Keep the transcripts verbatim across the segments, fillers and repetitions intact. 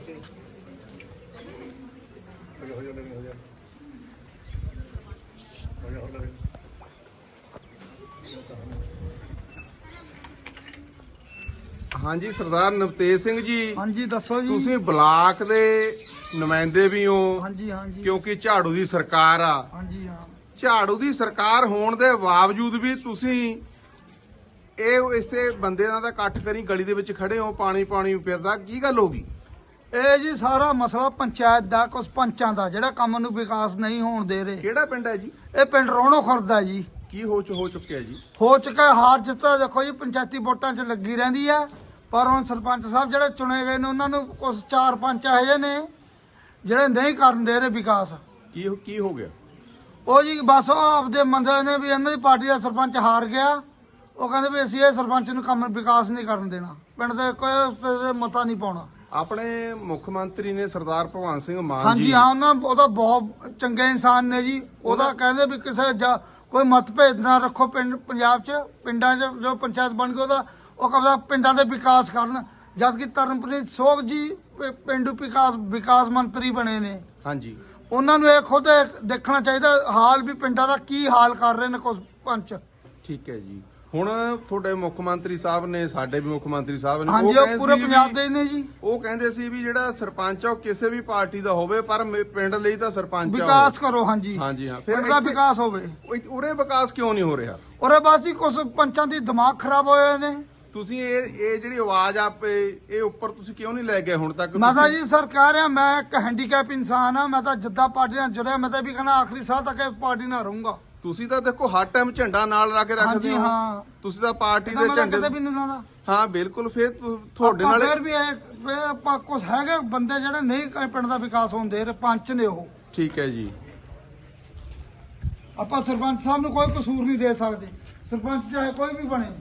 हाँ जी सरदार नवतेज सिंह जी। हाँ जी दसो जी। तुसीं ब्लाक दे नुमाइंदे भी हो। हाँ जी हाँ जी। क्योंकि झाड़ू दी सरकार आ। हाँ जी हाँ। झाड़ू दी सरकार होने दे बावजूद भी तुसीं ਇਹ ਇਸੇ ਬੰਦੇ ਦਾ ਇਕੱਠ ਕਰੀ ਗਲੀ ਦੇ ਵਿੱਚ ਖੜੇ ਹੋ ਪਾਣੀ ਪਾਣੀ ਫਿਰਦਾ ਕੀ ਗੱਲ ਹੋ ਗਈ? ਇਹ ਜੀ ਸਾਰਾ ਮਸਲਾ ਪੰਚਾਇਤ ਦਾ ਕੁਝ ਪੰਚਾਂ ਦਾ ਜਿਹੜਾ ਕੰਮ ਨੂੰ ਵਿਕਾਸ ਨਹੀਂ ਹੋਣ ਦੇ ਰਹੇ। ਕਿਹੜਾ ਪਿੰਡ ਹੈ ਜੀ? ਇਹ ਪਿੰਡ ਰੋਣੋ ਖੁਰਦਾ ਜੀ। ਕੀ ਹੋ ਹੋ ਚੁੱਕਿਆ ਜੀ? ਹੋ ਚੁੱਕਾ ਹਾਰ ਜਿੱਤ ਦੇਖੋ ਜੀ ਪੰਚਾਇਤੀ ਵੋਟਾਂ 'ਚ ਲੱਗੀ ਰਹਿੰਦੀ ਆ ਪਰ ਹੁਣ ਸਰਪੰਚ ਸਾਹਿਬ ਜਿਹੜੇ ਚੁਣੇ ਗਏ ਨੇ ਉਹਨਾਂ ਨੂੰ ਕੁਝ ਚਾਰ ਪੰਜ ਇਹੋ ਜਿਹੇ ਨੇ ਜਿਹੜੇ ਨਹੀਂ ਕਰਨ ਦੇ ਰਹੇ ਵਿਕਾਸ। ਕੀ ਕੀ ਹੋ ਗਿਆ? ਉਹ ਜੀ ਬਸ ਉਹ ਆਪਦੇ ਮੰਦੇ ਨੇ ਵੀ ਇਹਨਾਂ ਦੀ ਪਾਰਟੀ ਦਾ ਸਰਪੰਚ ਹਾਰ ਗਿਆ। ਉਹ ਕਹਿੰਦੇ ਵੀ ਅਸੀਂ ਇਹ ਸਰਪੰਚ ਨੂੰ ਕੰਮ ਵਿਕਾਸ ਨਹੀਂ ਕਰਨ ਦੇਣਾ, ਪਿੰਡ ਦੇ ਕੋਈ ਮਤਾ ਨਹੀਂ ਪਾਉਣਾ। ਆਪਣੇ ਮੁੱਖ ਮੰਤਰੀ ਨੇ ਸਰਦਾਰ ਭਗਵੰਤ ਸਿੰਘ ਮਾਨ ਜੀ। ਹਾਂਜੀ ਹਾਂ ਉਹਨਾਂ ਉਹਦਾ ਬਹੁਤ ਚੰਗੇ ਇਨਸਾਨ ਨੇ ਜੀ। ਉਹਦਾ ਕਹਿੰਦੇ ਵੀ ਕਿਸੇ ਕੋਈ ਮਤਭੇਦ ਨਾ ਰੱਖੋ ਪਿੰਡ ਪੰਜਾਬ 'ਚ ਪਿੰਡਾਂ 'ਚ ਜੋ ਪੰਚਾਇਤ ਬਣ ਗਈ ਉਹਦਾ ਉਹ ਕਹਿੰਦਾ ਪਿੰਡਾਂ ਦੇ ਵਿਕਾਸ ਕਰਨ। ਜਦ ਕਿ ਤਰਨਪ੍ਰੀਤ ਸੋਗ ਜੀ ਪਿੰਡੂ ਵਿਕਾਸ ਵਿਕਾਸ ਮੰਤਰੀ ਬਣੇ ਨੇ। ਹਾਂਜੀ ਉਹਨਾਂ ਨੂੰ ਇਹ ਖੁਦ ਦੇਖਣਾ ਚਾਹੀਦਾ ਹਾਲ ਵੀ ਪਿੰਡਾਂ ਦਾ ਕੀ ਹਾਲ ਕਰ ਰਹੇ ਨੇ ਕੁਝ ਪੰਚ। ਠੀਕ ਹੈ ਜੀ। ਹੁਣ ਤੁਹਾਡੇ ਮੁੱਖ ਮੰਤਰੀ ਸਾਹਿਬ ਨੇ ਸਾਡੇ ਵੀ ਮੁੱਖ ਮੰਤਰੀ ਸਾਹਿਬ ਨੇ ਹਾਂਜੀ ਉਹ ਪੂਰੇ ਪੰਜਾਬ ਦੇ ਨੇ ਜੀ। ਉਹ ਕਹਿੰਦੇ ਸੀ ਵੀ ਜਿਹੜਾ ਸਰਪੰਚ ਆ ਉਹ ਕਿਸੇ ਵੀ ਪਾਰਟੀ ਦਾ ਹੋਵੇ ਪਰ ਪਿੰਡ ਲਈ ਤਾਂ ਸਰਪੰਚ ਵਿਕਾਸ ਕਰੋ। ਹਾਂਜੀ ਹਾਂਜੀ ਹਾਂ ਫਿਰ ਦਾ ਵਿਕਾਸ ਹੋਵੇ। ਉਰੇ ਵਿਕਾਸ ਕਿਉਂ ਨਹੀਂ ਹੋ ਰਿਹਾ? ਉਰੇ ਬਸ ਹੀ ਕੁਝ ਪੰਚਾਂ ਦੀ ਦਿਮਾਗ ਖਰਾਬ ਹੋਏ ਨੇ। ਤੁਸੀਂ ਇਹ ਇਹ ਜਿਹੜੀ ਆਵਾਜ਼ ਆਪੇ ਇਹ ਉੱਪਰ ਤੁਸੀਂ ਕਿਉਂ ਨਹੀਂ ਲੈ ਗਏ ਹੁਣ ਤੱਕ? ਮੈਂ ਤਾਂ ਜੀ ਸਰ ਕਹਿ ਰਿਹਾ ਮੈਂ ਇੱਕ ਹੈਂਡੀਕੈਪ ਇਨਸਾਨ ਆ। ਮੈਂ ਤਾਂ ਜਿੱਦਾਂ ਪਾਰਟੀ ਨਾਲ ਜੁੜਿਆ ਮੈਂ ਤਾਂ ਵੀ ਕਹਿੰਦਾ ਆਖਰੀ ਸਾਹ ਤੱਕ ਇਹ ਪਾਰਟੀ ਨਾਲ ਰਹੂੰਗਾ। ਤੁਸੀਂ ਤਾਂ ਦੇਖੋ ਹਰ ਟਾਈਮ ਝੰਡਾ ਨਾਲ ਲਾ ਕੇ ਰੱਖਦੇ ਹੋ। ਹਾਂ ਤੁਸੀਂ ਤਾਂ ਪਾਰਟੀ ਦੇ ਝੰਡੇ ਕਦੇ ਵੀ ਨਹੀਂ ਲਾਉਂਦਾ। ਹਾਂ ਬਿਲਕੁਲ। ਫਿਰ ਤੁਹਾਡੇ ਨਾਲ ਫਿਰ ਵੀ ਇਹ ਆਪਾਂ ਕੁਝ ਹੈਗੇ ਬੰਦੇ ਜਿਹੜੇ ਨਹੀਂ ਪਿੰਡ ਦਾ ਵਿਕਾਸ ਹੋਣ ਦੇ ਰਹੇ ਪੰਚ ਨੇ ਉਹ। ਠੀਕ ਹੈ ਜੀ। ਆਪਾਂ ਸਰਪੰਚ ਸਾਹਿਬ ਨੂੰ ਕੋਈ ਕਸੂਰ ਨਹੀਂ ਦੇ ਸਕਦੇ। ਸਰਪੰਚ ਚਾਹੇ ਕੋਈ ਵੀ ਬਣੇ।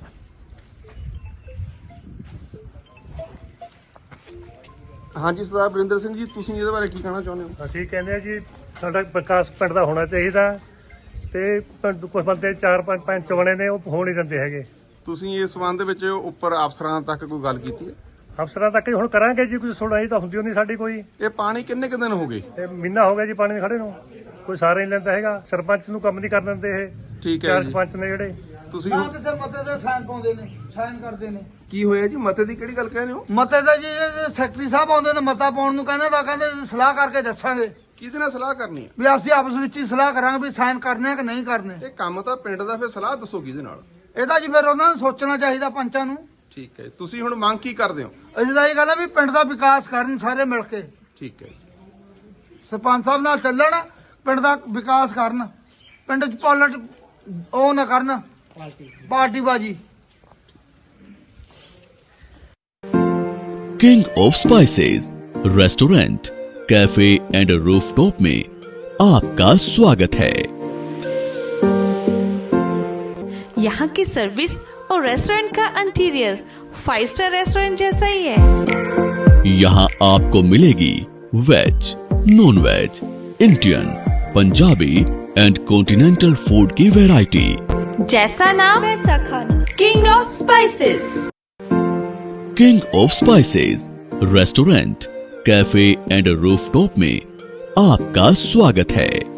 ਹਾਂਜੀ ਸਰਦਾਰ ਬਰਿੰਦਰ ਸਿੰਘ ਜੀ ਤੁਸੀਂ ਇਹਦੇ ਬਾਰੇ ਕੀ ਕਹਿਣਾ ਚਾਹੁੰਦੇ ਹੋ? ਅਸੀਂ ਕਹਿੰਦੇ ਆ ਜੀ ਸਾਡਾ ਵਿਕਾਸ ਪਿੰਡ ਦਾ ਹੋਣਾ ਚਾਹੀਦਾ ਤੇ ਕੁਝ ਬੰਦੇ ਚਾਰ ਪੰਜ ਪੰਚ ਬਣੇ ਨੇ ਉਹ ਹੋ ਨਹੀਂ ਦਿੰਦੇ ਹੈਗੇ। ਤੁਸੀਂ ਇਸ ਸੰਬੰਧ ਵਿੱਚ ਉੱਪਰ ਅਫਸਰਾਂ ਤੱਕ ਕੋਈ ਗੱਲ ਕੀਤੀ ਹੈ? ਅਫਸਰਾਂ ਤੱਕ ਹੁਣ ਕਰਾਂਗੇ ਜੀ। ਕੋਈ ਸੁਣਾਈ ਤਾਂ ਹੁੰਦੀ ਨਹੀਂ ਸਾਡੀ ਕੋਈ। ਇਹ ਪਾਣੀ ਕਿੰਨੇ ਕੁ ਦਿਨ ਹੋ ਗਏ? ਤੇ ਮਹੀਨਾ ਹੋ ਗਿਆ ਜੀ ਪਾਣੀ ਖੜੇ ਨੂੰ। ਕੋਈ ਸਾਰਾ ਨਹੀਂ ਲੈਂਦਾ ਹੈਗਾ। ਸਰਪੰਚ ਨੂੰ ਕੰਮ ਨਹੀਂ ਕਰਨ ਦਿੰਦੇ ਇਹ। ਠੀਕ ਹੈ ਚਾਰ ਜੀ। ਪੰਚ ਨੇ ਜਿਹੜੇ ਤੁਸੀਂ ਕਿਸੇ ਮਤੇ ਦੇ ਸਾਈਨ ਪਾਉਂਦੇ ਨੇ ਸਾਈਨ ਕਰਦੇ ਨੇ। ਕੀ ਹੋਇਆ ਜੀ? ਮਤੇ ਦੀ ਕਿਹੜੀ ਗੱਲ ਕਹਿੰਦੇ ਹੋ? ਮਤੇ ਦਾ ਜੀ ਸੈਕਟਰੀ ਸਾਹਿਬ ਆਉਂਦੇ ਨੇ ਮਤਾ ਪਾਉਣ ਨੂੰ ਕਹਿੰਦੇ ਤਾਂ ਕਹਿੰਦੇ ਸਲਾਹ ਕਰਕੇ ਦੱਸਾਂਗੇ। ਕਿਹਦੇ ਨਾਲ ਸਲਾਹ ਕਰਨੀ ਹੈ? ਵੀ ਅਸੀਂ ਆਪਸ ਵਿੱਚ ਹੀ ਸਲਾਹ ਕਰਾਂਗੇ ਵੀ ਸਾਈਨ ਕਰਨੇ ਆ ਕਿ ਨਹੀਂ ਕਰਨੇ। ਇਹ ਕੰਮ ਤਾਂ ਪਿੰਡ ਦਾ, ਫਿਰ ਸਲਾਹ ਦੱਸੋ ਕਿਹਦੇ ਨਾਲ? ਇਹਦਾ ਜੀ ਫਿਰ ਉਹਨਾਂ ਨੂੰ ਸੋਚਣਾ ਚਾਹੀਦਾ ਪੰਚਾਂ ਨੂੰ। ਠੀਕ ਹੈ। ਤੁਸੀਂ ਹੁਣ ਮੰਗ ਕੀ ਕਰਦੇ ਹੋ? ਅਸੀਂ ਤਾਂ ਇਹ ਗੱਲ ਹੈ ਵੀ ਪਿੰਡ ਦਾ ਵਿਕਾਸ ਕਰਨ ਸਾਰੇ ਮਿਲ ਕੇ। ਠੀਕ ਹੈ। ਸਰਪੰਚ ਸਾਹਿਬ ਨਾਲ ਚੱਲਣ ਪਿੰਡ ਦਾ ਵਿਕਾਸ ਕਰਨ। ਪਿੰਡ 'ਚ ਪੋਲਿਟ ਉਹ ਨਾ ਕਰਨ ਪਾਰਟੀ ਬਾਜੀ। King of spices restaurant, cafe and rooftop में आपका स्वागत है। यहाँ की सर्विस और रेस्टोरेंट का इंटीरियर फाइव स्टार रेस्टोरेंट जैसा ही है। यहाँ आपको मिलेगी veg, non veg, Indian, Punjabi and continental food की वैरायटी। जैसा नाम वैसा खाना। King of spices. King of spices restaurant, cafe and rooftop में आपका स्वागत है।